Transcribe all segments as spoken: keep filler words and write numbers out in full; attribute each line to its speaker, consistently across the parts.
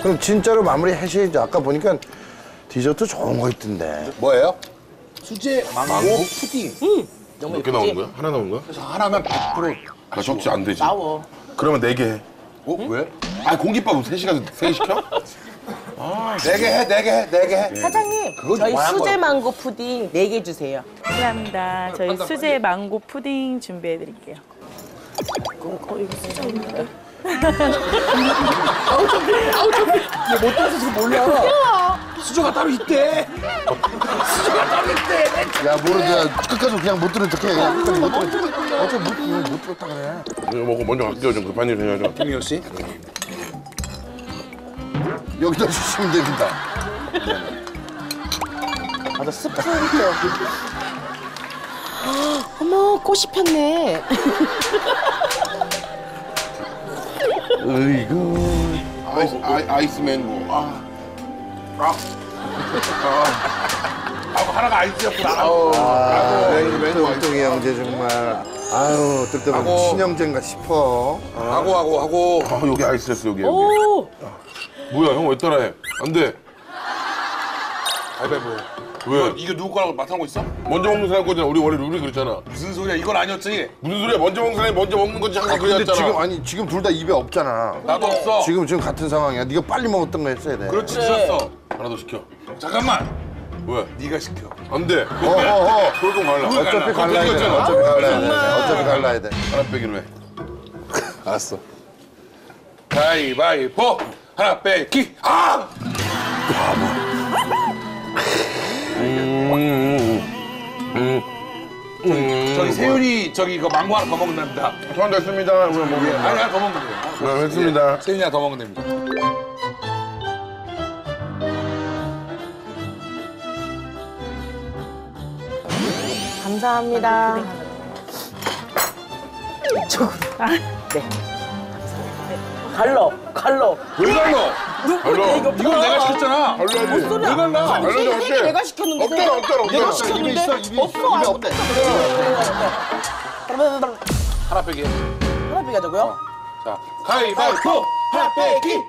Speaker 1: 그럼 진짜로 마무리 하셔야죠. 아까 보니까 디저트 좋은 거 있던데.
Speaker 2: 뭐예요? 수제 망고, 푸딩.
Speaker 3: 응.
Speaker 4: 몇 개 나오는 거야? 하나 나오는 거야?
Speaker 2: 그래서 하나면 백 퍼센트.
Speaker 4: 아, 적지 안 되지.
Speaker 3: 나워.
Speaker 4: 그러면 네 개 해.
Speaker 2: 어? 왜?
Speaker 4: 아, 공깃밥 세 시간 세 개 시켜?
Speaker 2: 네 개 해, 네 개 해, 네 개 해.
Speaker 3: 사장님,
Speaker 2: 그건
Speaker 3: 저희
Speaker 2: 뭐야,
Speaker 3: 수제
Speaker 2: 그거?
Speaker 3: 망고 푸딩 네 개 주세요.
Speaker 5: 감사합니다. 저희 수제 망고 푸딩 준비해 드릴게요.
Speaker 3: 그럼 거의 수제인데.
Speaker 2: 얘못 들어서 지금 몰라. 수저가 따로 있대. 수저가 따로 있대.
Speaker 1: 야, 모르지. 끝까지 그냥 못 들은 척해. 그냥 끝까지 못 들은 척. 어차피 못, 못 들었다 그래.
Speaker 4: 이거 먹고 먼저 갈게요. 좀 급한 일 해야죠.
Speaker 2: 김미호 씨.
Speaker 1: 여기다 주시면 됩니다.
Speaker 3: 아, 나 스프인데. 어머, 꽃이 폈네.
Speaker 1: 으이구.
Speaker 4: 아이스, 아이, 아이스 맹고. 아. 아. 아. 아, 하나가 아이스였구나. 아우.
Speaker 1: 아,
Speaker 4: 아이고, 맹고 아이스.
Speaker 1: 똥똥이 형제 정말. 아유, 뜰 때마다
Speaker 2: 아고.
Speaker 1: 친형제인가 싶어.
Speaker 2: 하고 하고 하고.
Speaker 4: 아, 여기 아이스였어, 여기. 여기.
Speaker 3: 오,
Speaker 4: 뭐야, 형 왜 따라해? 안 돼.
Speaker 2: 가위바위보.
Speaker 4: 왜?
Speaker 2: 이거 누구 거라고 맡아놓고 있어?
Speaker 4: 먼저 먹는 사람 거잖아. 우리 원래 룰이 그랬잖아.
Speaker 2: 무슨 소리야? 이건 아니었지.
Speaker 4: 무슨 소리야? 먼저 먹는 사람이 먼저 먹는 거지. 항상
Speaker 1: 근데
Speaker 4: 그랬잖아.
Speaker 1: 지금 아니 지금 둘 다 입에 없잖아.
Speaker 2: 나도 없어.
Speaker 1: 지금 지금 같은 상황이야. 네가 빨리 먹었던 거 했어야 돼.
Speaker 2: 그렇지
Speaker 3: 그래.
Speaker 2: 있었어.
Speaker 4: 하나 더 시켜.
Speaker 2: 잠깐만.
Speaker 4: 왜?
Speaker 2: 네가 시켜.
Speaker 4: 안 돼.
Speaker 1: 어, 어, 어.
Speaker 4: 그걸 갈라.
Speaker 1: 어차피
Speaker 4: 그거
Speaker 1: 갈라야 돼.
Speaker 4: 이겼잖아.
Speaker 1: 어차피 갈라야 돼.
Speaker 3: 정말.
Speaker 1: 어차피 갈라야 돼.
Speaker 4: 하나 빼기로 해.
Speaker 1: 알았어.
Speaker 2: 가위바위보. 하나 빼기. 아! 저기 세윤이 저기 이거 망고 하나 더 먹는답니다.
Speaker 4: 소환 됐습니다. 우리
Speaker 2: 아니
Speaker 4: 먹는
Speaker 2: 하나 더 먹으면 돼요.
Speaker 4: 네, 했습니다.
Speaker 2: 세윤이 하나 더 먹으면 됩니다.
Speaker 3: 감사합니다. 이쪽으로. 네. 갈러, 갈러.
Speaker 2: 왜 갈러?
Speaker 4: 갈러.
Speaker 3: 이거
Speaker 2: 이건 내가 시켰잖아.
Speaker 4: 갈라야지.
Speaker 3: 뭔 소리야?
Speaker 2: 왜 갈라?
Speaker 3: 아니,
Speaker 4: 갈라야지,
Speaker 3: 세-
Speaker 4: 어때?
Speaker 3: 세개 내가 시켰는데.
Speaker 4: 없잖아, 없잖아,
Speaker 3: 내가
Speaker 4: 없잖아.
Speaker 3: 시켰는데.
Speaker 1: 입에 있어, 입에
Speaker 3: 없어,
Speaker 1: 있어,
Speaker 3: 안
Speaker 1: 입에
Speaker 3: 없대.
Speaker 2: 하나 빼기.
Speaker 3: 하나 빼기 하자고요?
Speaker 2: 자, 가위바위보. 하나 빼기.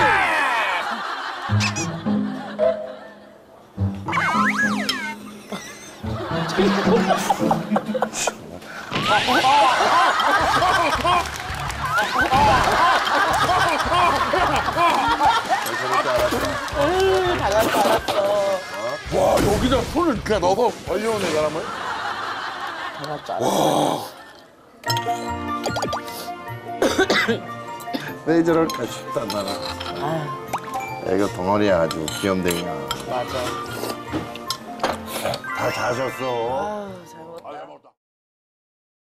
Speaker 3: 응, 잘났어, 알았어.
Speaker 4: 와, 여기다 손을 그냥 넣어서 벌려오네, 사람을.
Speaker 3: 잘났어, 알았어.
Speaker 1: 왜 저럴까 싶다 나는.
Speaker 3: 아유,
Speaker 1: 애가 덩어리야 아주 귀염댕이야.
Speaker 3: 맞아.
Speaker 1: 다 자셨어.
Speaker 3: 아유, 잘 먹었다.
Speaker 4: 아, 잘 먹었다.